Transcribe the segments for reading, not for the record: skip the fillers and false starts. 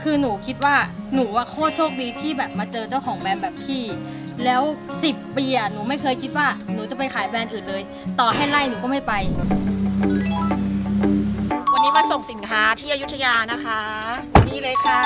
คือหนูคิดว่าหนูว่าโคตรโชคดีที่แบบมาเจอเจ้าของแบรนด์แบบพี่แล้ว10 ปีหนูไม่เคยคิดว่าหนูจะไปขายแบรนด์อื่นเลย ต่อให้ไล่หนูก็ไม่ไปวันนี้มาส่งสินค้าที่อยุธยานะคะนี่เลยค่ะ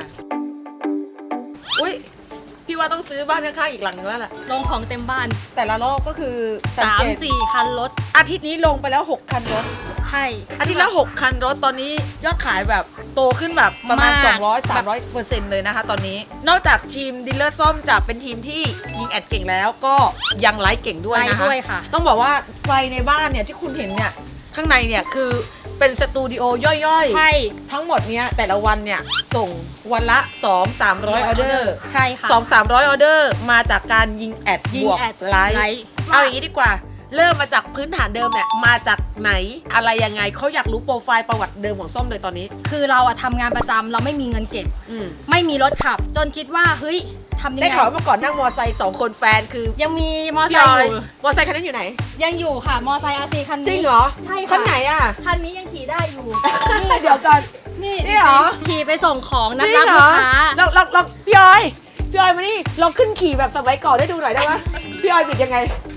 อุ้ยพี่ว่าต้องซื้อบ้านข้างๆอีกหลังนึงแล้วแหละลงของเต็มบ้านแต่ละรอบก็คือสังเกต 3-4 คันรถอาทิตย์นี้ลงไปแล้ว6 คันรถใช่อาทิตย์ละ6 คันรถตอนนี้ยอดขายแบบโตขึ้นแบบประมาณมาก 200-300%เลยนะคะตอนนี้นอกจากทีมดีลเลอร์ส้มจะเป็นทีมที่ยิงแอดเก่งแล้วก็ยังไลฟ์เก่งด้วยไปนะคะด้วยค่ะต้องบอกว่าไฟในบ้านเนี่ยที่คุณเห็นเนี่ยข้างในเนี่ยคือเป็นสตูดิโอย่อยๆใช่ทั้งหมดเนี้ยแต่ละวันเนี่ยส่งวันละ 200-300 ออเดอร์ใช่ค่ะ 200-300 ออเดอร์มาจากการยิงแอดยิบงวกแอดไลไลฟ์ฟ์เอาอย่างนี้ดีกว่าเริ่มมาจากพื้นฐานเดิมเนี่ยมาจากไหนอะไรยังไงเขาอยากรู้โปรไฟล์ประวัติเดิมของส้มเลยตอนนี้คือเราทำงานประจำเราไม่มีเงินเก็บอืมไม่มีรถขับ จนคิดว่าเฮ้ยทำยังได้ไงข่าวว่าเมื่อก่อนนั่งมอไซค์2 คนแฟนคือยังมีมอไซพี่อค์ออย ยู่มอไซค์คันนั้นอยู่ไหนยังอยู่ค่ะ มอไซค์อาซีคันนี้จริงเหรอใช่ค่ะคันไหนอ่ะคันนี้ยังขี่ได้อยู่เดี๋ยวก่อนนี่นี่เหรอขี่ไปส่งของนัดจริรับงเหรลูอกค้าเราพี่ออยมานี่เราขึ้นขี่แบบสมัยก่อนได้ดูหน่อยได้ไหมพี่ออยบิดยังไง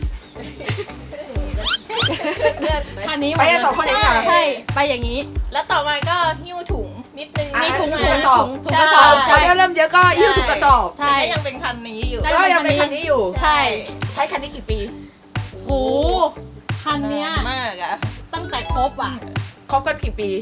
คันนี้ไปกันสองคนเองเหรอใช่ไปอย่างนี้แล้วต่อมาก็หิ้วถุงนิดนึงมีถุงถุถุงงกระสอบถุงกระสอบพอเริ่มเยอะก็ยิ้วถุงกระสอบใช่แต่ก็ยังเป็นคันนี้อยู่ได้ก็ยังเป็นคันนี้อยู่ใช่ใช้คันนี้กี่ปีโหคันเนี้ยมากอะตั้งแต่คบคบกันกี่ปี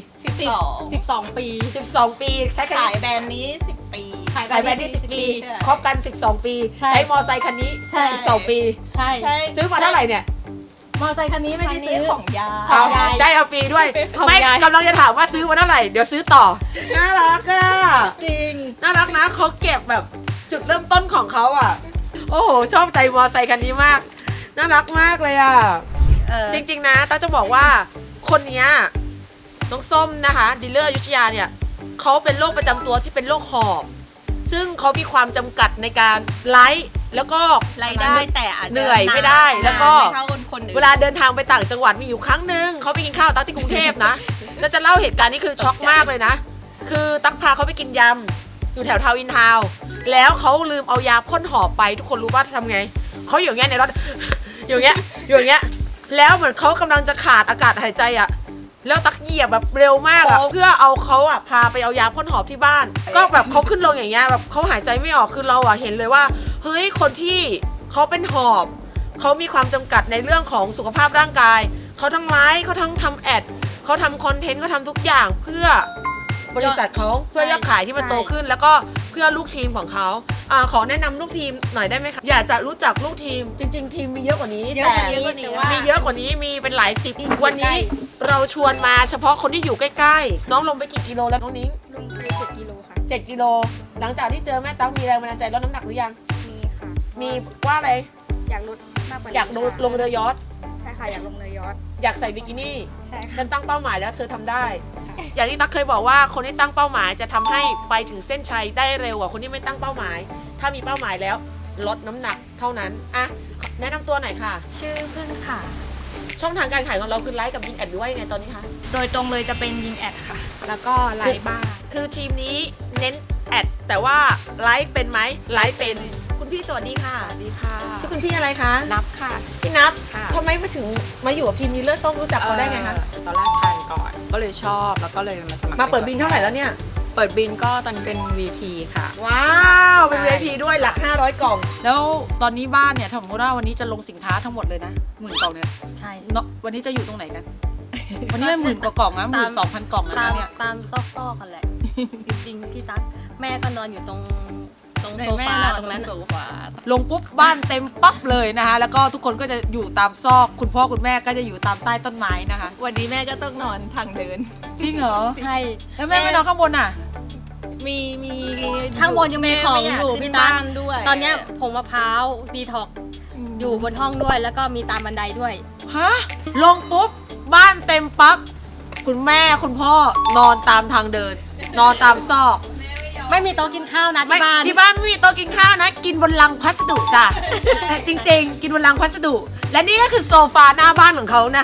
12 ปี 12 ปีใช้คันขายนี้แบรนด์นี้10 ปีขายใช้แบรนด์ที่10 ปีใช่คบกัน 12 ปีใช่ใช้มอไซค์คันนี้ใช่ 12 ปีใช่ใช่ซื้อมาเท่าไหร่เนี่ยมอไซค์คันนี้ไม่คัได้นนี้ซื้อของยาของยายได้เอาฟรีด้วยของไม่ยายกำลังจะถามว่าซื้อมาเท่าไหร่เดี๋ยวซื้อต่อน่ารักอ่ะจริงน่ารักนะเขาเก็บแบบจุดเริ่มต้นของเขาอ่ะ โอ้โหชอบใจมอไซค์คันนี้มากน่ารักมากเลยอ่ะ จริงๆนะต้าจะบอกว่าคนเนี้ยน้องส้มนะคะดีลเลอร์อยุธยาเนี่ยเขาเป็นโรคประจำตัวที่เป็นโรคหอบซึ่งเขามีความจำกัดในการไลฟ์แล้วก็รายได้แต่อาจจะเหนื่อยไม่ได้แล้วก็ไม่เท่าคนอื่นเวลาเดินทางไปต่างจังหวัดมีอยู่ครั้งหนึ่งเขาไปกินข้าวตั๊กที่กรุงเทพนะแล้วจะเล่าเหตุการณ์นี้คือช็อกมากเลยนะคือตั๊กพาเขาไปกินยำอยู่แถวทาวน์อินทาวน์แล้วเขาลืมเอายาพ่นหอบไปทุกคนรู้ว่าทำไงเขาอยู่อย่างเงี้ยในรถอยู่อย่างเงี้ยอยู่อย่างเงี้ยแล้วเหมือนเขากำลังจะขาดอากาศหายใจอ่ะแล้วตักเหยียบแบบเร็วมากอะเพื่อเอาเขาอะพาไปเอายาพ่นหอบที่บ้าน ก็แบบเขาขึ้นลงอย่างเงี้ยแบบเขาหายใจไม่ออกคือเราอะเห็นเลยว่าเฮ้ยคนที่เขาเป็นหอบเขามีความจำกัดในเรื่องของสุขภาพร่างกายเขาทั้งไลฟ์เขาทั้งทำแอดเขาทำคอนเทนต์เขาทำทุกอย่างเพื่อบริษัทเขาเพื่อยอดขายที่มันโตขึ้นแล้วก็เพื่อลูกทีมของเขาขอแนะนำลูกทีมหน่อยได้ไหมคะอยากจะรู้จักลูกทีมจริง ๆ ทีมมีเยอะกว่านี้เยอะกว่านี้แต่ว่ามีเยอะกว่านี้มีเป็นหลายสิบวันนี้เราชวนมาเฉพาะคนที่อยู่ใกล้ๆน้องลงไปกี่กิโลแล้วน้องนิ้งลงไป7 กิโลค่ะ 7 กิโลหลังจากที่เจอแม่ตั๊กมีแรงบันดาลใจลดน้ำหนักหรือยังมีค่ะมีว่าอะไรอยากลดมากกว่านี้อยากดูลงเรือยอชต์ใช่ค่ะอยากลงเรือยอชต์อยากใส่บิกินี่ใช่ค่ะฉันตั้งเป้าหมายแล้วเธอทำได้ อย่างที่ตั๊กเคยบอกว่าคนที่ตั้งเป้าหมายจะทำให้ไปถึงเส้นชัยได้เร็วกว่าคนที่ไม่ตั้งเป้าหมาย ถ้ามีเป้าหมายแล้วลดน้ำหนักเท่านั้นอ่ะแนะนำตัวหน่อยค่ะชื่อพึ่งค่ะช่องทางการขายของเราคือไลฟ์กับยิงแอดด้วยไงตอนนี้คะโดยตรงเลยจะเป็นยิงแอดค่ะ แล้วก็ไลฟ์บ้างคือทีมนี้เน้นแอดแต่ว่าไลฟ์เป็นไหมไลฟ์เป็นคุณพี่สวัสดีค่ะสวัสดีค่ะชื่อคุณพี่อะไรคะนับค่ะพี่นับค่ะทำไมมาถึงมาอยู่กับทีมนี้เลิศส้มรู้จักเขาได้ไงคะตอนแรกทานก่อน ก็เลยชอบแล้วก็เลยมาสมัครมาเปิดบินเท่าไหร่แล้วเนี่ยเปิดบินก็ตอนเป็น VP ค่ะว้าวเป็นใช่ VIP ด้วยหลัก500 กล่อง แล้วตอนนี้บ้านเนี่ยสมมติว่าวันนี้จะลงสินค้าทั้งหมดเลยนะ10,000 กล่องเนี่ยใช่เนาะวันนี้จะอยู่ตรงไหนกัน วันนี้มัน10,000 กว่ากล่องนะ12,000 กล่องแล้วตามนะเนี่ยตามซอกๆกันแหละ จริงๆพี่ตั๊กแม่ก็นอนอยู่ตรงโซฟาตรงนั้นโซน่ะฟาลงปุ๊บบ้านเต็มปั๊บเลยนะคะแล้วก็ทุกคนก็จะอยู่ตามซอกคุณพ่อคุณแม่ก็จะอยู่ตามใต้ต้นไม้นะคะวันนี้แม่ก็ต้องนอนทางเดินจริงเหรอใช่แล้วแม่ไม่นอนข้างบนอ่ะมีข้างบนยังมีของแไม่ากอยู่ขึ้นพี่ตั๊กบ้านด้วยตอนเนี้ยผงมะพร้าวดีท็อกอยู่บนห้องด้วย แล้วก็มีตามบันไดด้วยฮะลงปุ๊บบ้านเต็มปั๊บคุณแม่คุณพ่อนอนตามทางเดิน นอนตามซอกไม่มีโต๊ะกินข้าวนะไม่ที่บ้านที่บ้านไม่มีโต๊ะกินข้าวนะ กินบนลังพัสดุจ้ะ จริงๆ กินบนลังพัสดุ และนี่ก็คือโซฟาหน้าบ้านของเขานะคะ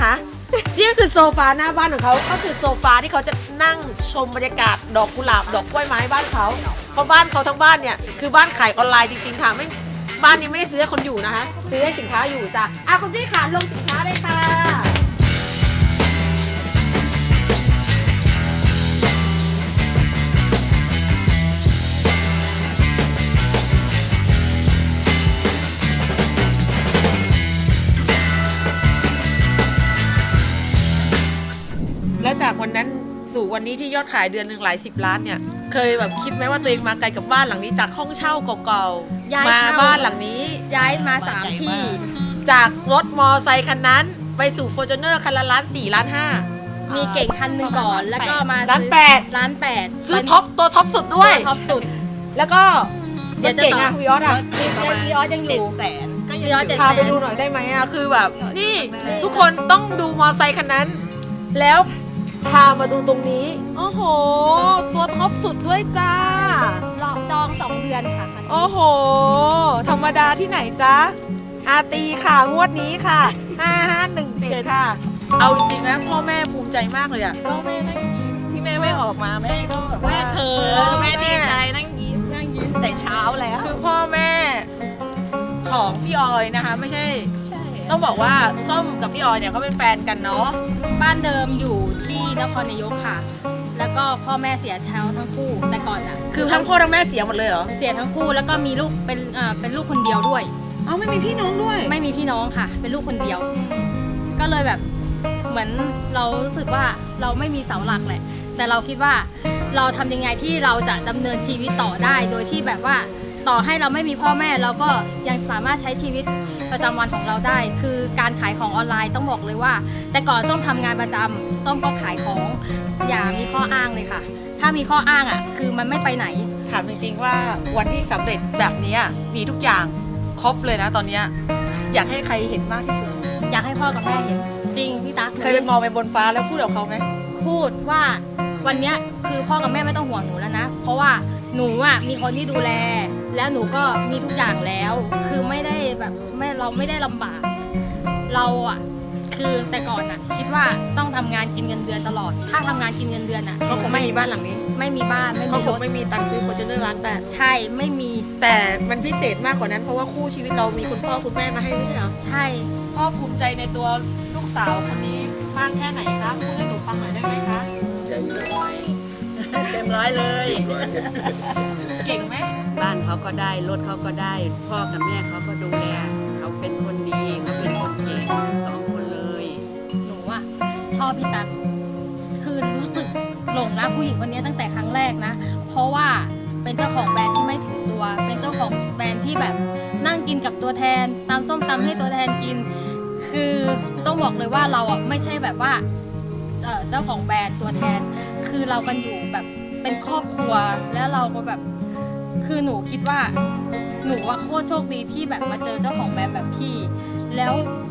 นี่คือโซฟาหน้าบ้านของเขาก็คือโซฟาที่เขาจะนั่งชมบรรยากาศดอกกุหลาบดอกกล้วยไม้บ้านเขาเพราะบ้านเขาทั้งบ้านเนี่ยคือบ้านขายออนไลน์จริงๆค่ะไม่บ้านนี้ไม่ได้ซื้อให้คนอยู่นะคะซื้อให้สินค้าอยู่จ้ะคุณพี่ขาลงสินค้าเลยค่ะ แล้วจากวันนั้นสู่วันนี้ที่ยอดขายเดือนหนึ่งหลาย10 ล้านเนี่ยเคยแบบคิดไหมว่าตัวเองมาไกลกับบ้านหลังนี้จากห้องเช่าเก่าย้ายๆมาเช่าบ้านหลังนี้ย้ายมา3ที่จากรถมอไซค์คันนั้นไปสู่ฟอร์จูเนอร์คันละล้าน4ล้าน5 มีเก่งคันหนึ่งก่อนแล้วก็มาล้านซื้อแปดล้านแปดซื้อท็อปตัวท็อปสุดด้วยท็อปสุดแล้วก็เดี๋ยวจะเก่งต่ออะวิออสอะวีออสยังอยู่ 700,000ก็ยังวีออสอยู่ 700,000 พาไปดูหน่อยได้ไหมอะคือแบบนี่ทุกคนต้องดูมอไซค์คันนั้น แล้วพามาดูตรงนี้โอ้โหตัวท็อปสุดด้วยจ้ารอจอง2 เดือนค่ะคันนี้โอ้โห ธรรมดาที่ไหนจ๊ะอาตีค่ะงวดนี้ค่ะ 5517 ค่ะ เอาจริงๆนะพ่อแม่ภูมิใจมากเลยอะก็แม่นั่งยิ้มที่แม่ไม่ออกมาแม่ก็แบบว่าแม่เขินแม่ดีใจนั่งยิ้มแต่เช้าแล้วคือพ่อแม่ของพี่ออยนะคะ ไม่ใช่ใช่ต้องบอกว่าส้มกับพี่ออยเนี่ยเขาเป็นแฟนกันเนาะบ้านเดิมอยู่ที่นครนายกค่ะ แล้วก็พ่อแม่เสียทั้งคู่แต่ก่อนอ่ะคือทั้งพ่อทั้งแม่เสียหมดเลยเหรอเสียทั้งคู่แล้วก็มีลูกเป็นลูกคนเดียวด้วยเอ้าไม่มีพี่น้องด้วยไม่มีพี่น้องค่ะ เป็นลูกคนเดียว ก็เลยแบบเหมือนเรารู้สึกว่าเราไม่มีเสาหลักแหละ แต่เราคิดว่าเราทำยังไงที่เราจะดำเนินชีวิตต่อได้ โดยที่แบบว่าต่อให้เราไม่มีพ่อแม่เราก็ยังสามารถใช้ชีวิตประจำวันของเราได้ คือการขายของออนไลน์ต้องบอกเลยว่า แต่ก่อนส้มทำงานประจำส้มก็ขายของอย่ามีข้ออ้างเลยค่ะ ถ้ามีข้ออ้างอ่ะคือมันไม่ไปไหนถามจริงๆว่าวันที่สำเร็จแบบเนี้ยมีทุกอย่างครบเลยนะตอนเนี้ยอยากให้ใครเห็นมากที่สุดอยากให้พ่อกับแม่เห็นจริงพี่ตั๊กเคยไปมองไปบนฟ้าแล้วพูดกับเขาไหมพูดว่าวันเนี้ยคือพ่อกับแม่ไม่ต้องห่วงหนูแล้วนะ เพราะว่าหนูอ่ะมีคนที่ดูแล แล้วหนูก็มีทุกอย่างแล้ว คือไม่ได้แบบเราไม่ได้ลำบาก เราอ่ะคือแต่ก่อนอ่ะ คิดว่าต้องทำงานกินเงินเดือนตลอด ถ้าทำงานกินเงินเดือนอ่ะก็คงไม่มีบ้านหลังนี้ไม่มีบ้านไม่เขามีครง ถไม่มีตังค์ซื้อฟอร์จูเนอร์ล้านแปดใช่ไม่มีแต่มันพิเศษมากกว่านั้นเพราะว่าคู่ชีวิตเรามีคุณพ่อคุณแม่มาให้ไม่ใช่เหรอใช่พ่อภูมิใจในตัวลูกสาวคนนี้มากแค่ไหนคะพูดให้หนูฟังหน่อยได้ไหมคะเต็มร้อยเลยเก่งไหมบ้านเขาก็ได้รถเขาก็ได้ พ่อกับแม่เขาก็ดูแลเขาเป็นคนดีเขาเป็นคนเก่งสองคนเลยหนูอ่ะชอบพี่ตั๊กคือรู้สึกหลงรักผู้หญิงคนนี้ตั้งแต่ครั้งแรกนะ เพราะว่าเป็นเจ้าของแบรนด์ที่ไม่ถึงตัว เป็นเจ้าของแบรนด์ที่แบบนั่งกินกับตัวแทนตำส้มตำให้ตัวแทนกิน คือต้องบอกเลยว่าเราอ่ะไม่ใช่แบบว่าเจ้าของแบรนด์ตัวแทน คือเรากันอยู่แบบเป็นครอบครัวแล้วเราก็แบบคือหนูคิดว่าหนูว่าโคตรโชคดีที่แบบมาเจอเจ้าของแบรนด์แบบพี่ แล้ว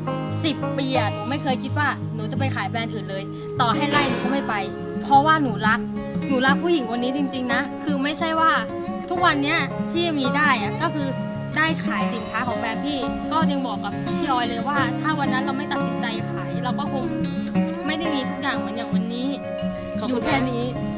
10 ปีอะหนูไม่เคยคิดว่าหนูจะไปขายแบรนด์อื่นเลย ต่อให้ไล่หนูก็ไม่ไป เพราะว่าหนูรักผู้หญิงคนนี้จริงๆนะคือไม่ใช่ว่าทุกวันเนี้ยที่มีได้อะก็คือได้ขายสินค้าของแบรนด์พี่ก็ยังบอกกับพี่ออยเลยว่า ถ้าวันนั้นเราไม่ตัดสินใจขายเราก็คงไม่ได้มีทุกอย่างเหมือนอย่างวันนี้ขอบอคุยู่ณแค่แม่นี้